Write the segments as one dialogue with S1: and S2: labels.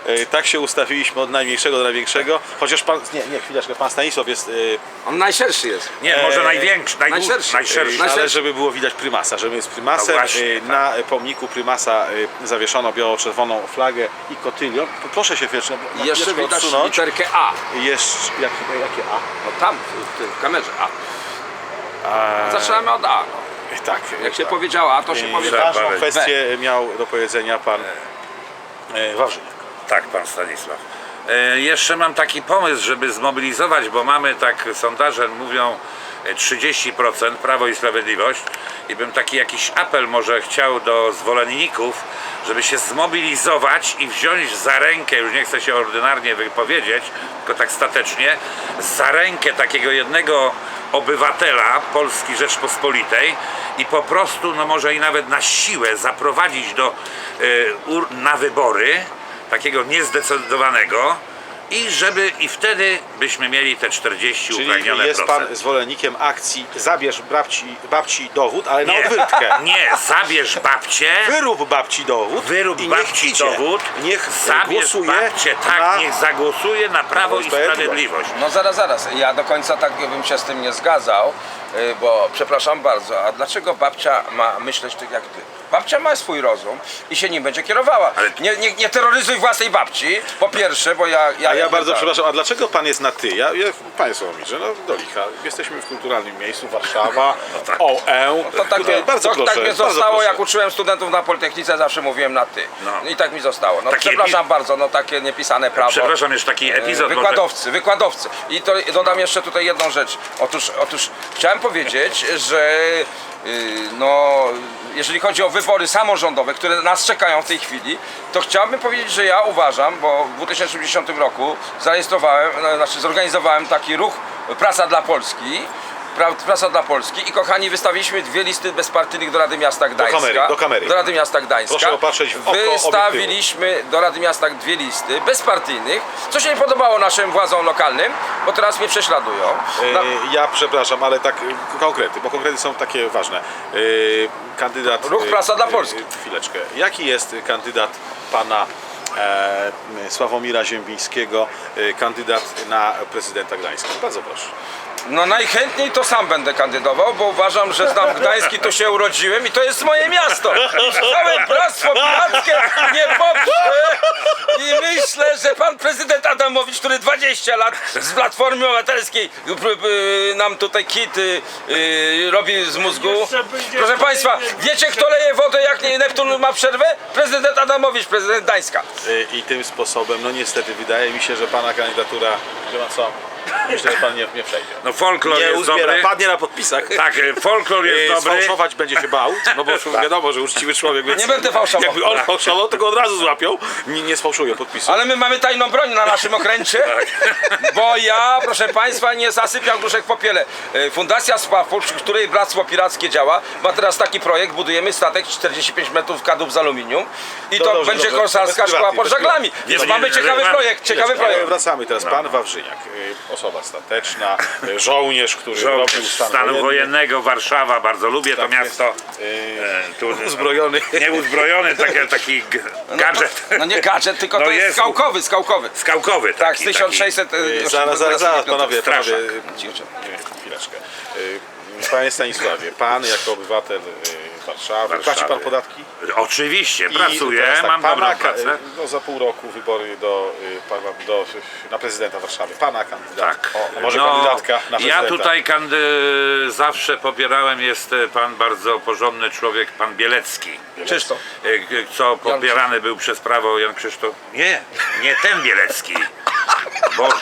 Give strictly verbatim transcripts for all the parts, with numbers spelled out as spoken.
S1: Tak się ustawiliśmy od najmniejszego do największego, chociaż pan, nie, nie, chwileczkę, pan Stanisław jest...
S2: On najszerszy jest.
S3: Nie, może największy, najdłuższy,
S2: najszerszy.
S3: najszerszy.
S1: Ale żeby było widać prymasa, żeby jest prymasem,
S3: No właśnie,
S1: y, na pomniku prymasa y, zawieszono biało-czerwoną flagę i kotylion. Proszę się chwileczkę
S2: I jeszcze widać
S1: odsunąć.
S2: literkę A.
S1: Jeszcze, jak, jakie A?
S2: No tam, w, tym- w kamerze A.
S1: A
S2: Zaczynamy od A. No.
S1: tak.
S2: Jak się
S1: tak.
S2: powiedziała A, to się
S1: I
S2: powie
S1: ważną
S3: B.
S1: kwestię miał do powiedzenia pan e, Wawrzyniak.
S3: Tak, pan Stanisław. E, jeszcze mam taki pomysł, żeby zmobilizować, bo mamy tak, sondaże mówią e, trzydzieści procent Prawo i Sprawiedliwość i bym taki jakiś apel może chciał do zwolenników, żeby się zmobilizować i wziąć za rękę, już nie chcę się ordynarnie wypowiedzieć, tylko tak statecznie, za rękę takiego jednego obywatela Polski Rzeczpospolitej i po prostu, no może i nawet na siłę zaprowadzić do, y, ur, na wybory takiego niezdecydowanego i żeby i wtedy byśmy mieli te czterdzieści
S1: Czyli
S3: upragnione
S1: jest
S3: procent.
S1: pan zwolennikiem akcji zabierz babci, babci dowód, ale na
S3: Nie,
S1: odwyrtkę.
S3: nie, zabierz babcię,
S1: Wyrób babci dowód
S3: wyrób
S1: i niech
S3: babci
S1: idzie.
S3: dowód,
S1: Niech
S3: zabierz
S1: głosuje
S3: babcię, tak,
S1: na...
S3: niech zagłosuje na Prawo i
S1: Sprawiedliwość.
S3: Sprawiedliwość.
S2: No zaraz, zaraz. Ja do końca tak bym się z tym nie zgadzał, y, bo przepraszam bardzo, a dlaczego babcia ma myśleć tak jak ty? Babcia ma swój rozum i się nim będzie kierowała.
S3: Ale-
S2: Nie, nie, nie terroryzuj własnej babci, po pierwsze, bo ja...
S1: A ja bardzo
S2: tak.
S1: przepraszam, a dlaczego pan jest na ty? Ja, ja państwo mi, że no do licha. Jesteśmy w kulturalnym miejscu, Warszawa,
S3: tak.
S1: O E.
S2: To tak, mnie,
S1: bardzo
S2: to,
S1: proszę,
S2: tak mnie
S1: bardzo
S2: zostało,
S1: proszę.
S2: jak uczyłem studentów na Politechnice, zawsze mówiłem na ty.
S3: No.
S2: I tak mi zostało. No,
S3: Takie
S2: przepraszam
S3: epi-
S2: bardzo, no takie niepisane prawo.
S3: Przepraszam, jeszcze taki epizod. bo te-
S2: Wykładowcy, wykładowcy. I to dodam jeszcze tutaj jedną rzecz. Otóż, otóż chciałem powiedzieć, że yy, no, jeżeli chodzi o wybory samorządowe, które nas czekają w tej chwili, to chciałbym powiedzieć, że ja uważam, bo w dwa tysiące dziesiątym roku zarejestrowałem, no, znaczy zorganizowałem taki ruch Praca dla Polski. Pra- Praca dla Polski i kochani, wystawiliśmy dwie listy bezpartyjnych do Rady Miasta Gdańska.
S1: kamery, do kamery.
S2: Do Rady Miasta Gdańska.
S1: Proszę opatrzeć w oko
S2: Wystawiliśmy do Rady Miasta dwie listy bezpartyjnych, co się nie podobało naszym władzom lokalnym, bo teraz mnie prześladują. Na-
S1: E, Ja przepraszam, ale tak e, konkrety, bo konkrety są takie ważne. E, Kandydat...
S2: Ruch
S1: e,
S2: Praca dla
S1: e,
S2: Polski.
S1: Chwileczkę. Jaki jest kandydat pana e, Sławomira Ziembińskiego, e, kandydat na prezydenta Gdańska? Bardzo proszę.
S2: No najchętniej to sam będę kandydował, bo uważam, że znam Gdański, tu się urodziłem i to jest moje miasto. I całe bractwo pirackie nie poprze. I myślę, że pan prezydent Adamowicz, który dwadzieścia lat z Platformy Obywatelskiej y, y, nam tutaj kit y, y, robi z mózgu. Proszę państwa, wiecie kto leje wodę jak nie Neptun ma przerwę? Prezydent Adamowicz, prezydent Gdańska.
S1: E, I tym sposobem, no niestety, wydaje mi się, że pana kandydatura, wie pan co, myślę, że pan nie, nie przejdzie.
S3: No folklor
S1: Nie
S3: jest
S1: uzbiera,
S3: dobry.
S1: padnie na podpisach.
S3: Tak, folklor jest
S1: E,
S3: dobry.
S1: Sfałszować będzie się bał, no bo wiadomo, że uczciwy człowiek, więc
S2: Nie będę fałszował.
S1: jakby on fałszował, to go od razu złapią. Nie, nie sfałszują podpisu.
S2: Ale my mamy tajną broń na naszym okręcie, bo ja, proszę państwa, nie zasypiam gruszek w popiele. E, Fundacja Spawpol, przy której Bractwo Pirackie działa, ma teraz taki projekt, budujemy statek czterdzieści pięć metrów kadłub z aluminium i
S1: No
S2: to
S1: dobrze,
S2: będzie
S1: dobrze.
S2: korsarska
S1: Bez
S2: szkoła
S1: prywatnej,
S2: pod
S1: bez
S2: żaglami.
S1: prywatnej.
S2: Więc
S3: Nie,
S2: mamy
S3: nie,
S2: ciekawy
S3: nie,
S2: projekt, ciekawy
S1: Ale
S2: projekt.
S1: wracamy teraz. Pan Wawrzyniak, y, osoba stateczna, y, żołnierz, który
S3: Żołnierz
S1: robił stan
S3: stanu
S1: wojenny.
S3: wojennego, Warszawa, bardzo lubię to
S1: Tak
S3: miasto.
S1: jest.
S3: E, tu,
S1: Uzbrojony.
S3: nie uzbrojony, taki, taki g- gadżet.
S2: No nie gadżet, tylko
S3: No
S2: to jest
S3: jest.
S2: skałkowy, skałkowy.
S3: Skałkowy.
S2: Tak, z
S3: taki,
S2: tysiąc sześćset...
S1: Y, Zaraz, zaraz, zaraz, panowie, panowie.
S3: Straszak.
S1: y, Chwileczkę. Y, Panie Stanisławie, pan jako obywatel y, Warszawy,
S3: Warszawy.
S1: płaci pan podatki?
S3: Oczywiście,
S1: I
S3: pracuję,
S1: teraz tak,
S3: mam
S1: pana,
S3: dobrą
S1: ka-
S3: pracę.
S1: No, za pół roku wybory do, y, pana, do, na prezydenta Warszawy. Pana kandydat.
S3: Tak.
S1: O, a może
S3: No,
S1: kandydatka na prezydenta.
S3: ja tutaj kandy... zawsze popierałem, jest e, pan bardzo porządny człowiek, pan Bielecki.
S2: Krzysztof.
S3: E, g- Co popierany był przez prawo Jan Krzysztof. Nie, nie ten Bielecki. Boże.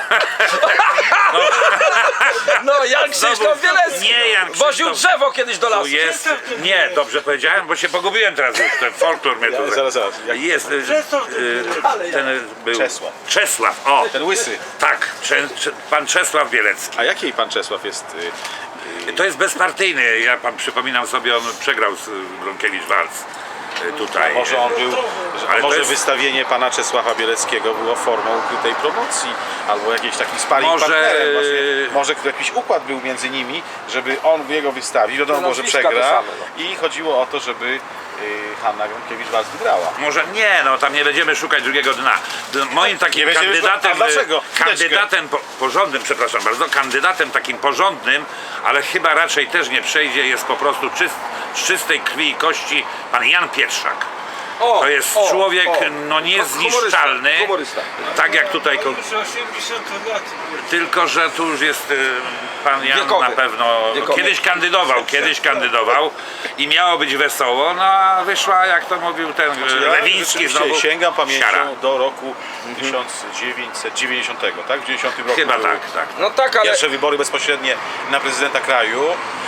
S2: No Jan Krzysztof Bielecki.
S3: Nie Jan
S2: Woził
S3: Krzysztof.
S2: drzewo kiedyś do
S3: Tu
S2: lasu.
S3: jest. Nie, dobrze powiedziałem, bo się pogubiłem teraz już. Ten folklor mnie tu.
S1: Zaraz, zaraz. Jak
S3: Jest. e, e, Ten był.
S1: Czesław.
S3: Czesław, o.
S1: ten łysy.
S3: Tak, Cze- Cze- pan Czesław Bielecki.
S1: A jakiej pan Czesław jest? y,
S3: To jest bezpartyjny. Ja pan przypominam sobie, on przegrał z Bronkiewicz-Walc tutaj.
S1: Może on był, że,
S3: Ale to
S1: może
S3: jest-
S1: wystawienie pana Czesława Bieleckiego było formą ukrytej promocji, albo jakiś taki sparring
S3: Może-
S1: partnerem. Właśnie, może jakiś układ był między nimi, żeby on jego wystawił, wiadomo,
S2: No,
S1: że
S2: nazwiska te
S1: przegra
S2: same,
S1: i chodziło o to, żeby Hanna Gronkiewicz-Waltz wygrała.
S3: Może nie, no tam nie będziemy szukać drugiego dna. Moim takim
S1: Nie będziemy
S3: kandydatem,
S1: szukać- a dlaczego?
S3: kandydatem po, porządnym, przepraszam bardzo, kandydatem takim porządnym, ale chyba raczej też nie przejdzie, jest po prostu czyst, z czystej krwi i kości pan Jan Pietrzak.
S2: O,
S3: To jest
S2: o,
S3: człowiek
S2: o.
S3: no niezniszczalny,
S2: Humorysta, humorysta.
S3: tak jak tutaj, ko-
S4: Już osiemdziesiąt lat.
S3: tylko że tu już jest y, pan Jan
S2: Wiekowy.
S3: na pewno,
S2: Wiekowy.
S3: kiedyś kandydował, kiedyś kandydował i miało być wesoło, no a wyszła, jak to mówił ten
S1: Znaczy, Ja
S3: Lewiński
S1: rzeczywiście
S3: znowu,
S1: sięgam pamięcią
S3: siara.
S1: do roku tysiąc dziewięćset dziewięćdziesiątego, tak? W dziewięćdziesiątym roku
S3: Chyba
S1: były
S3: tak, tak.
S2: No tak, ale
S1: pierwsze wybory bezpośrednie na prezydenta kraju.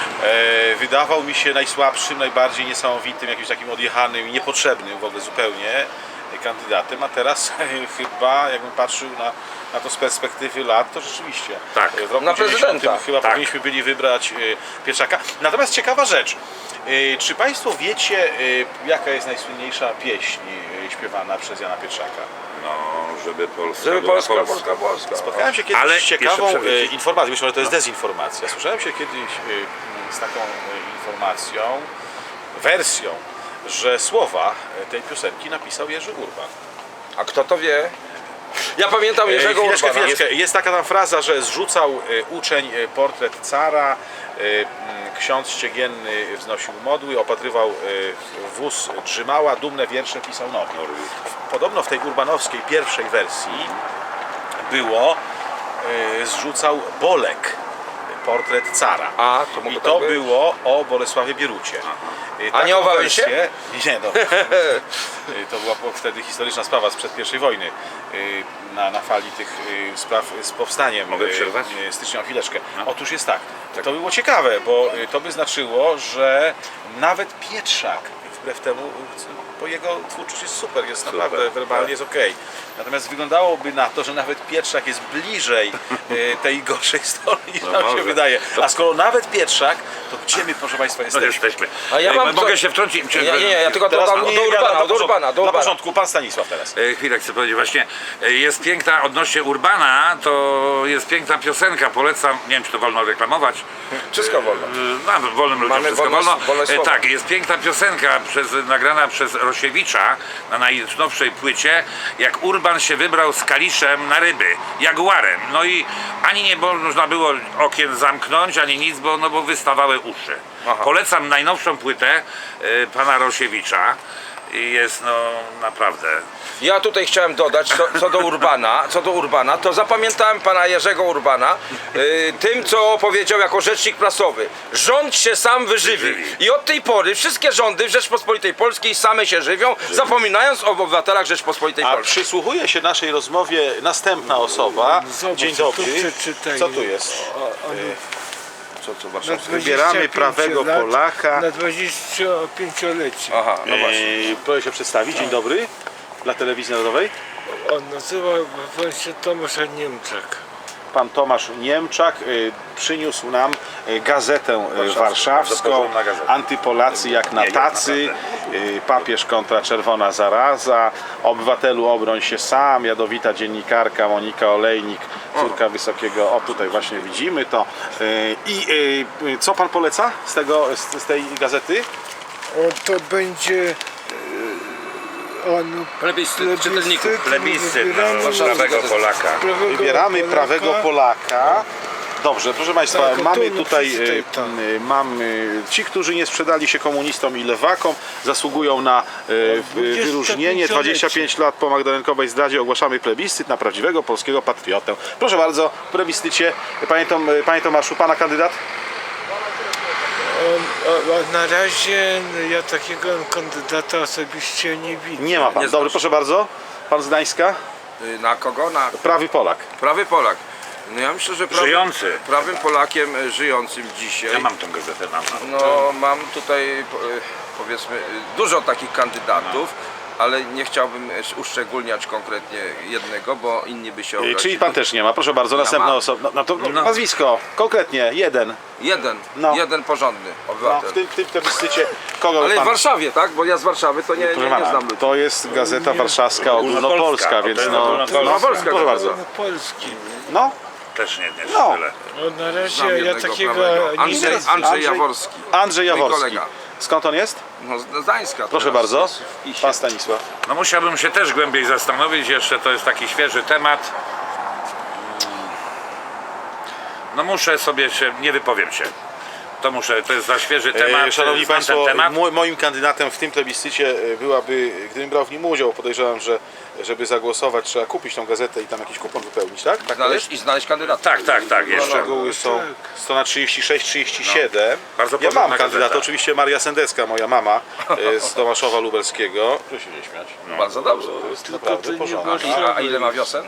S1: E, wydawał mi się najsłabszym, najbardziej niesamowitym, jakimś takim odjechanym i niepotrzebnym w ogóle zupełnie kandydatem, a teraz chyba, jakbym patrzył na, na to z perspektywy lat, to rzeczywiście
S3: Tak.
S1: w roku
S2: Na
S1: dziewięćdziesiątym
S2: prezydenta.
S1: chyba
S3: Tak.
S1: powinniśmy byli wybrać e, Pietrzaka. Natomiast ciekawa rzecz, e, czy Państwo wiecie, e, jaka jest najsłynniejsza pieśń e, śpiewana przez Jana Pietrzaka?
S3: No, żeby Polska
S2: żeby
S3: była
S2: Polska,
S3: Polska.
S2: Polska, Polska.
S1: Spotkałem się kiedyś
S3: Ale
S1: z ciekawą
S3: jeszcze przed-
S1: e, informacją, myślę, że to jest dezinformacja. Słyszałem się kiedyś e, z taką e, informacją, wersją, że słowa e, tej piosenki napisał Jerzy Urban.
S2: A kto to wie? Ja pamiętam Jerzego
S1: E, chwileczkę,
S2: Urbana.
S1: chwileczkę. Jest taka tam fraza, że zrzucał e, uczeń e, portret cara, e, m, ksiądz ściegienny wznosił modły, opatrywał e, wóz drzymała, dumne wiersze pisał nowy. Podobno w tej urbanowskiej pierwszej wersji było e, zrzucał Bolek portret cara.
S2: A, to mogło
S1: I
S2: tak
S1: to
S2: być?
S1: było o Bolesławie Bierucie. E,
S2: A nie
S1: taką
S2: o Wałęsie?
S1: wersję- Nie, no. E, To była po- wtedy historyczna sprawa sprzed pierwszej wojny. e, Na, na fali tych e, spraw z powstaniem.
S3: Mogę
S1: e,
S3: przerwać?
S1: e, Stycznia, chwileczkę. Otóż jest tak. To by było ciekawe, bo e, to by znaczyło, że nawet Pietrzak, wbrew temu, e, bo jego twórczość jest super, jest naprawdę werbalnie jest okej. Natomiast wyglądałoby na to, że nawet Pietrzak jest bliżej e, tej gorszej strony niż
S3: No
S1: nam się
S3: może.
S1: wydaje. A skoro nawet Pietrzak, to gdzie my, proszę Państwa,
S3: No
S1: jesteśmy?
S3: jesteśmy.
S2: A ja
S3: Ej,
S2: mam
S3: mogę
S2: co-
S3: się wtrącić? Czy-
S2: Nie, nie, nie, ja tylko
S1: Teraz
S2: dodam
S1: nie,
S2: do
S1: nie,
S2: Urbana,
S1: dla
S2: do Urbana, do
S1: Dla
S2: Urbana.
S1: porządku, pan Stanisław teraz.
S3: E, Chwilę chcę powiedzieć, właśnie e, jest piękna, odnośnie Urbana, to jest piękna piosenka, polecam, nie wiem czy to wolno reklamować.
S2: Wszystko wolno.
S3: E, No, wolnym ludziom
S2: Mamy
S3: wszystko
S2: wolność-
S3: wolno.
S2: wolność
S3: E,
S2: słowa.
S3: Tak, jest piękna piosenka przez, nagrana przez Rosiewicza na najnowszej płycie, jak Urban się wybrał z Kaliszem na ryby, jaguarem. No i ani nie było, można było okien zamknąć, ani nic, bo, no bo wystawały uszy.
S2: Aha.
S3: Polecam najnowszą płytę e, pana Rosiewicza. I jest no naprawdę.
S2: Ja tutaj chciałem dodać, co, co do Urbana, co do Urbana, to zapamiętałem pana Jerzego Urbana y, tym, co powiedział jako rzecznik prasowy. Rząd się sam wyżywi. I od tej pory wszystkie rządy w Rzeczpospolitej Polskiej same się żywią, zapominając o obywatelach Rzeczpospolitej
S1: A
S2: Polskiej.
S1: przysłuchuje się naszej rozmowie następna osoba.
S4: Zobacz,
S1: Dzień
S4: tu
S1: dobry.
S4: przeczytaj.
S1: Co tu jest?
S2: Co, co
S4: Na
S2: warszawskie?
S1: Wybieramy
S4: dwadzieścia pięć
S1: prawego
S4: lat,
S1: Polaka.
S4: Na dwudziestopięciolecie.
S2: Aha, no właśnie.
S1: Eee, proszę się przedstawić. Dzień dobry. Dla telewizji narodowej.
S4: On nazywał się Tomasza Niemczak.
S1: Pan Tomasz Niemczak y, przyniósł nam y, gazetę y,
S3: Warszawską,
S1: warszawską,
S3: porządna gazeta.
S1: Antypolacy jak na
S3: Nie, jak na
S1: tacy, y, papież kontra czerwona zaraza, obywatelu obroń się sam, jadowita dziennikarka Monika Olejnik, córka wysokiego, o tutaj właśnie widzimy to. Y, I y, y, co pan poleca z, tego, z, z tej gazety?
S4: O, to będzie e, on
S2: Plebiscyt czytelników.
S3: Plebiscyt
S4: wybieramy
S3: na prawego Polaka.
S4: prawego
S1: Wybieramy
S4: Polaka.
S1: prawego Polaka. Dobrze, proszę Państwa,
S4: Tak,
S1: mamy
S4: tu
S1: tutaj,
S4: przeczytaj
S1: y,
S4: tam.
S1: y, mamy ci, którzy nie sprzedali się komunistom i lewakom, zasługują na y,
S4: dwudziestopięciolecie.
S1: wyróżnienie. dwadzieścia pięć lat po magdalenkowej zdradzie ogłaszamy plebiscyt na prawdziwego polskiego patriotę. Proszę bardzo, w plebiscycie, panie, Tom, panie Tomaszu, pana kandydat?
S4: On, o, o, na razie ja takiego kandydata osobiście nie widzę.
S1: Nie ma pan.
S2: Nie
S1: Dobry,
S2: znasz.
S1: proszę bardzo. Pan z Gdańska?
S2: Y, Na kogo? Na
S1: Prawy Polak.
S2: prawy Polak. No ja myślę, że prawy,
S3: Żyjący.
S2: prawym Polakiem y, żyjącym dzisiaj.
S3: Ja mam tą gazetę, mam. mam.
S2: No mam tutaj po- y, powiedzmy y, dużo takich kandydatów, ale nie chciałbym y, uszczególniać konkretnie jednego, bo inni by się
S1: Y,
S2: obrazili.
S1: Czyli pan też nie ma. Proszę bardzo, następna
S2: mam.
S1: osoba. No, no to
S3: No.
S1: nazwisko, konkretnie, jeden.
S2: Jeden,
S1: No.
S2: jeden porządny
S1: No,
S2: obywatel.
S1: w tym, w tym plebiscycie kogo
S2: Ale
S1: pan...
S2: w Warszawie, tak? Bo ja z Warszawy to nie, nie,
S1: Proszę
S2: nie
S1: pana,
S2: znam ludzi.
S1: to jest Gazeta Warszawska Ogólnopolska,
S3: Ogólnopolska,
S1: więc
S3: to jest
S1: no,
S3: ogólnopolska.
S1: no,
S2: Ogólnopolska
S1: proszę
S2: gazeta.
S1: bardzo.
S4: Polski.
S1: No,
S3: Też nie, nie
S1: No.
S3: tyle.
S4: O, na
S2: Znam
S4: razie ja
S2: jednego
S4: takiego
S2: prawego.
S4: nie
S2: Andrzej,
S4: znam.
S2: Andrzej Jaworski.
S1: Andrzej
S2: Mój
S1: Jaworski.
S2: kolega.
S1: Skąd on jest?
S2: No, z Gdańska.
S1: Proszę
S2: teraz
S1: bardzo,
S2: jest w PiSie.
S1: pan Stanisław.
S3: No musiałbym się też głębiej zastanowić, jeszcze to jest taki świeży temat. No muszę sobie się, nie wypowiem się. To muszę, to jest za świeży temat.
S1: E, Szanowni
S3: znam
S1: Państwo,
S3: ten temat.
S1: mo- moim kandydatem w tym plebiscycie e, byłaby, gdybym brał w nim udział, podejrzewam, że żeby zagłosować trzeba kupić tą gazetę i tam jakiś kupon wypełnić, tak? Tak to
S2: Znaleźć
S1: jest?
S2: i znaleźć kandydata.
S3: Tak, tak, tak, jeszcze.
S1: Szczegóły są strona trzydzieści sześć trzydzieści siedem.
S3: Bardzo
S1: Ja
S3: porządna
S1: mam kandydata,
S3: gazeta.
S1: oczywiście Maria Sendecka, moja mama e, z Tomaszowa Lubelskiego. Proszę się nie śmiać.
S2: Bardzo dobrze.
S1: To jest
S4: Tylko
S1: naprawdę
S4: to nie
S1: porządek.
S4: było-
S2: A, a ile ma wiosen?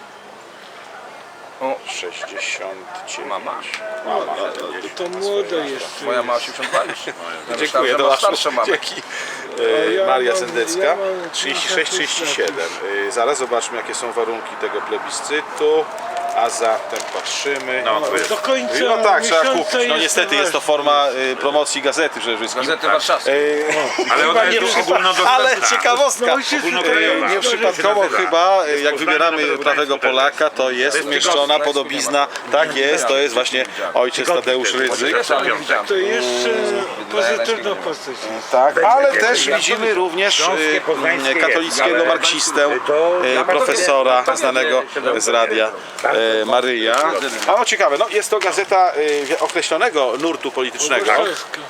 S2: O,
S1: sześćdziesiąt dziewięć.
S2: mama.
S1: Mama.
S4: To młodo jest.
S2: Moja ma osiemdziesiąt dwa już. Ja myślałem,
S1: Dziękuję,
S2: że
S1: to
S2: ma
S1: masz
S2: starszą mamę.
S1: dzięki. E,
S4: ja
S1: Maria
S4: mam-
S1: Sendecka,
S4: ja mam
S1: trzydzieści sześć trzydzieści siedem. E, Zaraz zobaczmy, jakie są warunki tego plebiscytu, a zatem patrzymy.
S3: No, to jest.
S4: Do końca
S1: No tak, trzeba
S4: miesiąca
S1: kupić. No
S4: jest
S1: niestety jest to
S4: ważne.
S1: forma e, promocji gazety przede wszystkim.
S2: Gazety warszawskie.
S1: E,
S3: Ale
S1: chyba
S3: ona
S1: nie
S3: jest
S1: przypa-
S3: ogólnodostępna.
S1: ale ciekawostka.
S4: No, się
S1: E,
S3: ogólnokrajowa.
S1: Nie przypadkowo
S3: nazywa.
S1: chyba, e,
S3: Jest
S1: jak
S3: Poznanie
S1: wybieramy
S3: Nowego
S1: prawego
S3: Gdańsku
S1: Polaka, to jest
S3: jest
S1: umieszczona
S2: tygodnik,
S1: podobizna. Tak jest, to jest właśnie ojciec Tadeusz
S3: Tygodnik,
S1: Rydzyk.
S2: Też, ale nie widziałem.
S4: To jeszcze
S2: Wydaje
S4: pozytywna
S2: się, że-
S4: postać.
S1: Tak, ale też widzimy również
S3: Śląskie,
S1: e,
S3: poznańskie
S1: katolickiego
S3: jest.
S1: marksistę,
S3: To-
S1: e, profesora znanego z radia e, Maryja. A no ciekawe, no jest to gazeta e, określonego nurtu politycznego.
S4: Warszawska.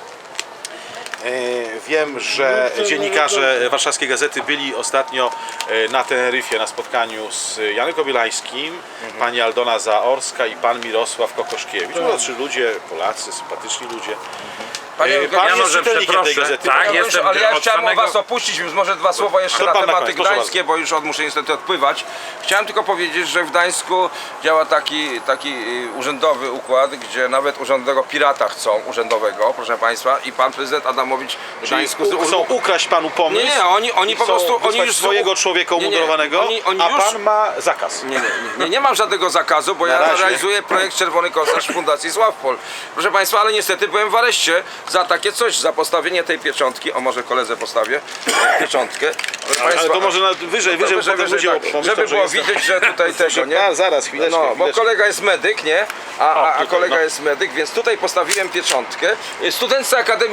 S1: E, Wiem, że dziennikarze Warszawskiej Gazety byli ostatnio e, na Teneryfie na spotkaniu z Janem Kobielańskim, pani Aldona Zaorska i pan Mirosław Kokoszkiewicz. No, trzy ludzie, Polacy, sympatyczni ludzie.
S2: Panie
S1: E, Pan
S3: Ja
S1: jest
S3: może
S1: czytelnikiem tej
S3: przeproszę.
S1: gazety.
S3: Tak,
S2: Ja już,
S3: jestem
S2: ale ja
S3: od
S2: chciałem
S3: samego-
S2: o was opuścić, więc może dwa słowa jeszcze
S1: To
S2: na
S1: pan na
S2: tematy
S1: koniec, proszę
S2: gdańskie, bo już od, muszę niestety odpływać. Chciałem tylko powiedzieć, że w Gdańsku działa taki, taki y, urzędowy układ, gdzie nawet urzędowego pirata chcą, urzędowego, proszę państwa, i pan prezydent Adamowicz w
S1: Czyli
S2: Gdańsku...
S1: u- chcą ukraść panu pomysł.
S2: Nie, nie, oni, oni
S1: i
S2: po
S1: chcą
S2: prostu... Oni
S1: wysłać
S2: już
S1: swojego człowieka
S2: Nie, nie,
S1: umundurowanego,
S2: oni- oni
S1: a
S2: już-
S1: pan ma zakaz.
S2: Nie, nie, nie, nie mam żadnego zakazu, bo
S1: Na
S2: ja
S1: razie.
S2: realizuję projekt Czerwony Korsarz Fundacji Sławpol. Proszę Państwa, ale niestety byłem w areszcie za takie coś, za postawienie tej pieczątki. O, może koledze postawię pieczątkę. Proszę
S1: Ale
S2: Państwa,
S1: to może na, wyżej, wyżej,
S2: wyżej,
S1: potem
S2: wyżej,
S1: ludzie
S2: tak,
S1: pomyślą,
S2: żeby
S1: że
S2: było
S1: jestem-
S2: widać, że tutaj tego, nie?
S1: A, zaraz, chwileczkę,
S2: No, bo
S1: chwileczkę.
S2: kolega jest medyk, nie? A, a, a
S1: tutaj,
S2: kolega
S1: no.
S2: jest medyk, więc tutaj postawiłem pieczątkę. Studentce Akademii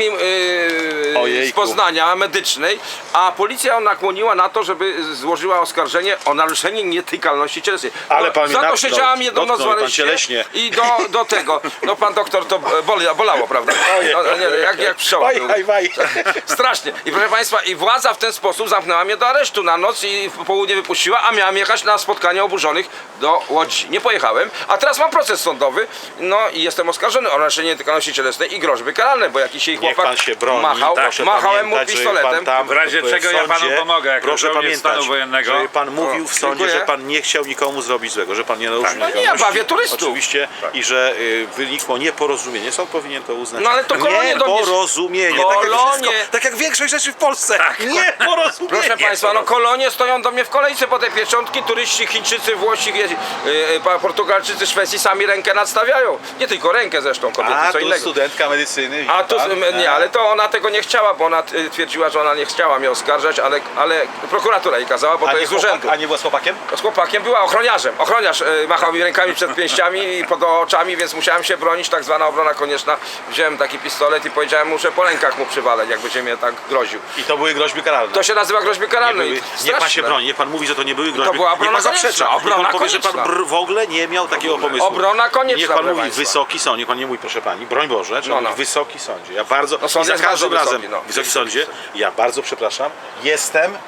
S2: yy,
S1: Ojejku.
S2: z Poznania Medycznej, a policja nakłoniła na to, żeby złożyła oskarżenie o naruszenie nietykalności cielesnej.
S1: Ale
S2: No,
S1: pan mnie
S2: za to
S1: natknął.
S2: siedziałam jedną noc w
S1: Dotknął mnie pan
S2: areszcie
S1: cieleśnie.
S2: i do, do tego, no pan doktor to boli, bolało, prawda? No, nie, jak, jak pszczoła.
S1: Waj, waj, waj.
S2: Strasznie. I proszę Państwa, i władza w ten sposób zamknęła mnie do aresztu na noc i w południe wypuściła, a miałem jechać na spotkanie oburzonych do Łodzi. Nie pojechałem, a teraz mam proces sądowy, no i jestem oskarżony o naruszenie nietykalności cielesnej i groźby karalne, bo jakiś jej
S1: Niech
S2: chłopak
S1: pan się broni.
S2: machał,
S1: Proszę
S2: machałem mu
S1: pamiętać, że
S2: pistoletem.
S1: pan tam
S3: W razie
S1: w
S3: czego ja panu
S1: sądzie,
S3: pomogę, jako
S1: proszę
S3: żołnierz
S1: pamiętać,
S3: stanu wojennego.
S1: że pan mówił w sądzie,
S2: dziękuję.
S1: że pan nie chciał nikomu zrobić złego, że pan nie naruszył
S2: No nie,
S1: nietykalności.
S2: bawię turystów.
S1: Oczywiście i że y, wynikło nieporozumienie. Sąd powinien to uznać.
S2: No ale to kolonie do mnie-
S1: Nieporozumienie. Tak jak,
S2: Kolonie.
S1: wszystko, tak jak większość rzeczy w Polsce. Nieporozumienie.
S2: Proszę Państwa, no kolonie stoją do mnie w kolejce po te pieczątki, turyści, Chińczycy, Włosi, je- y, y, Portugalczycy, Szwecji sami rękę nadstawiają. Nie tylko rękę zresztą, kobiety,
S1: A,
S2: co
S1: tu
S2: innego.
S1: studentka medycyny.
S2: A tu,
S1: pan?
S2: nie, ale to ona tego nie chciała, bo ona y, twierdziła, że ona nie chciała mnie oskarżać, ale, ale prokuratura jej kazała, bo
S1: A
S2: to
S1: nie,
S2: jest z
S1: chłopak,
S2: urzędu.
S1: a nie była z chłopakiem?
S2: Z chłopakiem była ochroniarzem. Ochroniarz y, machał mi rękami przed pięściami i pod oczami, więc musiałem się bronić, tak zwana obrona konieczna. Wziąłem taki pistolet i powiedziałem mu, że po rękach mu przywalać, jak będzie mnie tak groził.
S1: I to były groźby karalne.
S2: To się nazywa groźby
S1: Nie
S2: karalne.
S1: były,
S2: i
S1: niech pan się
S2: straszne.
S1: broni, niech pan mówi, że to nie były groźby.
S2: była
S1: niech
S2: obrona
S1: pan zaprzecza.
S2: konieczna,
S1: Niech pan
S2: obrona
S1: powie, że pan
S2: konieczna.
S1: br- w ogóle nie miał takiego pomysłu.
S2: Obrona konieczna,
S1: Niech pan
S2: proszę
S1: mówi
S2: państwa.
S1: wysoki sąd, niech pan nie mówi proszę pani, broń Boże, trzeba
S2: No, no.
S1: mówić wysoki sądzie. Ja bardzo,
S2: No, sąd
S1: i za
S2: jest
S1: każdym
S2: bardzo
S1: razem,
S2: wysoki, no.
S1: wysoki sądzie, ja bardzo przepraszam, jestem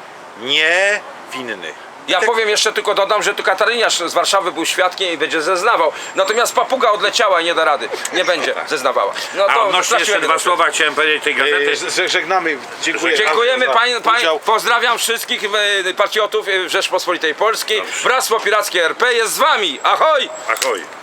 S1: niewinny.
S2: Ja powiem jeszcze, tylko dodam, że tu Kataryniarz z Warszawy był świadkiem i będzie zeznawał. Natomiast papuga odleciała i nie da rady. Nie będzie zeznawała. No
S3: A
S2: to
S3: odnośnie jeszcze
S2: straciłem
S3: dwa
S2: jedno.
S3: słowa chciałem powiedzieć tej gazety.
S1: E, z- Żegnamy, dziękuję.
S2: Dziękujemy
S1: bardzo za
S2: pań, pań,
S1: udział.
S2: pozdrawiam wszystkich e, patriotów e, Rzeczpospolitej Polskiej. Bractwo Pirackie R P jest z wami. Ahoj!
S3: Ahoj.